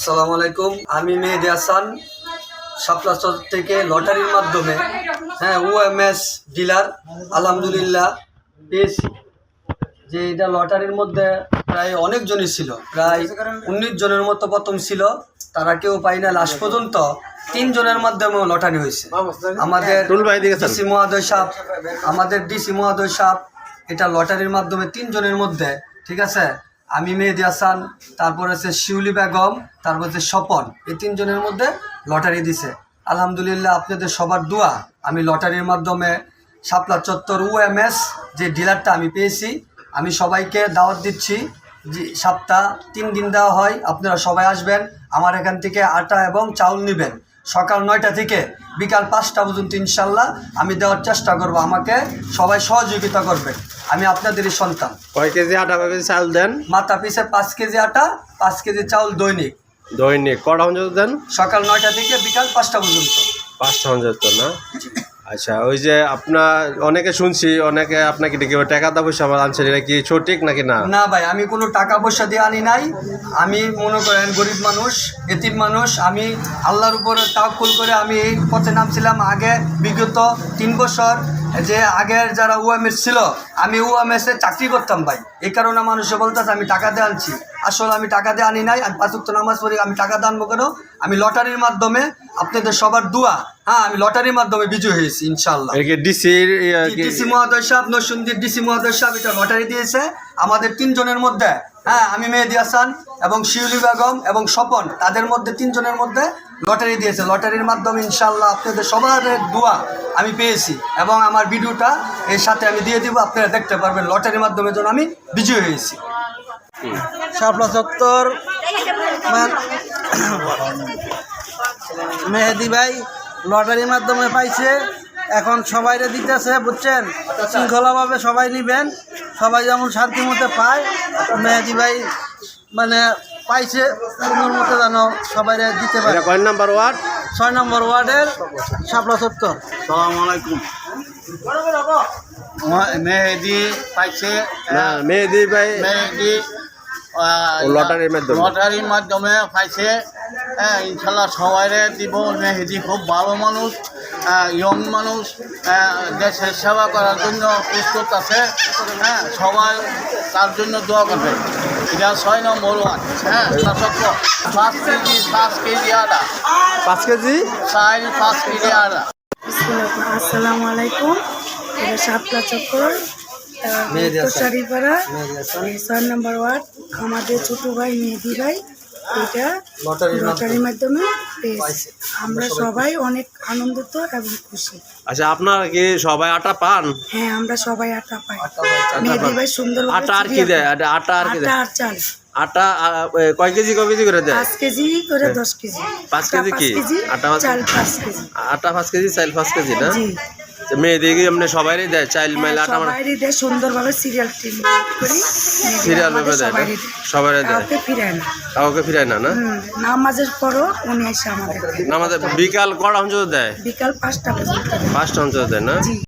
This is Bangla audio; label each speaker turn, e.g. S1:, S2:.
S1: আসসালামু আলাইকুম। আমি মেহেদি হাসান শাপলা থেকে লটারির মাধ্যমে ওএমএস ডিলার আলহামদুলিল্লাহ পেয়েছি। যে এটা লটারির মধ্যে প্রায় অনেকজনই ছিল, প্রায় 19 জনের মতো প্রথম ছিল, তারা কেউ পাই না। লাস্ট পর্যন্ত 3 জনের মাধ্যমে লটারি হয়েছে। আমাদের ডিসি মহোদয় সাহেব এটা লটারির মাধ্যমে 3 জনের মধ্যে, ঠিক আছে, আমি মেহেদি হাসান, তারপর আছে শিউলি বেগম, তারপর হচ্ছে স্বপন, এই 3 জনের মধ্যে লটারি দিছে। আলহামদুলিল্লাহ আপনাদের সবার দোয়া আমি লটারির মাধ্যমে শাপলা চত্বর ওএমএস যে ডিলারটা আমি পেয়েছি। আমি সবাইকে দাওয়াত দিচ্ছি, যে সপ্তাহ 3 দিন দেওয়া হয়, আপনারা সবাই আসবেন। আমার এখান থেকে আটা এবং চাউল নেবেন। সকাল 9টা থেকে বিকাল 5টা পর্যন্ত ইনশাল্লাহ আমি দেওয়ার চেষ্টা করব। আমাকে সবাই সহযোগিতা করবেন, আমি আপনাদেরই সন্তান।
S2: কয় কেজি আটা, কয় কেজি চাউল দেন?
S1: মাথা পিছে 5 কেজি আটা, 5 কেজি চাউল দৈনিক।
S2: দৈনিক কটা পর্যন্ত দেন?
S1: সকাল 9টা থেকে বিকাল 5টা পর্যন্ত।
S2: 5টা পর্যন্ত না? আচ্ছা, ওই যে আপনার অনেকে শুনছি, অনেকে আপনাকে ডেকে টাকা দা পয়সা আনছেন, এটা কি সঠিক নাকি না?
S1: না ভাই, আমি কোনো টাকা পয়সা দিয়ে আনি নাই। আমি মনে করেন গরিব মানুষ, এতিম মানুষ। আমি আল্লাহর উপরে তাওয়াক্কুল করে আমি এই পথে নামছিলাম। আগে বিগত 3 বছর যে আগের যারা ওএমএস ছিল, আমি ওএমএসে চাকরি করতাম ভাই। এই কারণে মানুষে বলতেছে আমি টাকা দিয়ে আনছি। আসলে আমি টাকা দিয়ে আনি নাই। আমি 5 ওয়াক্ত নামাজ পড়ি, আমি টাকা দিয়ে আনবো কেন? আমি লটারির মাধ্যমে আপনাদের সবার দোয়া, আমি লটারির মাধ্যমে বিজয় হয়েছি ইনশাল্লাহ। ডিসি মহোদয় সাহেব, নরসিংদীর ডিসি মহোদয় সাহেব এটা লটারি দিয়েছে আমাদের 3 জনের মধ্যে। আমি মেহেদি হাসান এবং শিউলি বেগম এবং স্বপন, তাদের মধ্যে 3 জনের মধ্যে লটারি দিয়েছে। লটারির মাধ্যমে ইনশাল্লাহ আপনাদের সবার দোয়া আমি পেয়েছি এবং আমার ভিডিওটা এর সাথে আমি দিয়ে দিব, আপনারা দেখতে পারবেন লটারির মাধ্যমে যেন আমি বিজয় হয়েছি।
S3: শাপলা চত্বর মেহেদি ভাই লটারির মাধ্যমে পাইছে, এখন সবাইরে দিতেছে, বুঝছেন? শৃঙ্খলাভাবে সবাই নিবেন, সবাই যেমন শান্তি মতে পায়। মেহেদি ভাই মানে পাইছে, সুন্দর মতো যেন সবাই দিতে পারে।
S2: কয় নাম্বার ওয়ার্ড?
S3: 6 নম্বর ওয়ার্ডের শাপলা চত্বর।
S4: আসসালামু আলাইকুম। মেহেদি পাইছে,
S2: মেহেদি ভাই
S4: মেহেদি
S2: লটারির
S4: মাধ্যমে পাইছে। ইনশাল্লাহ সবাইরে দিব। মেহেদি খুব ভালো মানুষ, ইয়ং মানুষ, দেশের সেবা করার জন্য প্রস্তুত আছে। সবাই তার জন্য দোয়া করবে। এটা 6 নম্বর ওয়ার্ড। 5 কেজি আটা,
S2: 5 কেজি
S4: 5 কেজি আটা।
S5: আসসালামু আলাইকুম। এটা শাপলা চত্বর শাড়িপাড়া 6 নম্বর ওয়ার্ড। আমাদের ছোট ভাই মেহেদি ভাই এটা লটারির মাধ্যমে পেয়েছে। আমরা সবাই অনেক আনন্দিত এবং খুশি।
S2: আচ্ছা, আপনারা কি সবাই আটা পান?
S5: হ্যাঁ, আমরা সবাই আটা পাই। মেহেদি ভাই সুন্দর
S2: আটা আর কি দেয়? আটা আর কি দেয়?
S5: আর চাল।
S2: আটা কয় কেজি করে দেয়?
S5: 5 কেজি করে 10 কেজি।
S2: 5 কেজি কি?
S5: আটা চাল 5 কেজি।
S2: আটা 5 কেজি, চাল 5 কেজি না?
S5: জি।
S2: মেয়েদের কি এমনি সবাইরই দেয় চাইল মাইল আটা?
S5: সবাইরই দেয়, সুন্দরভাবে সিরিয়াল করি,
S2: সিরিয়াল ভাবে দেয় না? সবাইরে দেয়,
S5: কাউকে ফিরায় না।
S2: কাউকে ফিরায় না? না,
S5: নামাজের পরও উনি এসে আমাদের
S2: আমাদের বিকাল কটা পর্যন্ত দেয়?
S5: বিকাল 5টা পর্যন্ত।
S2: 5টা পর্যন্ত দেয় না?
S5: জি।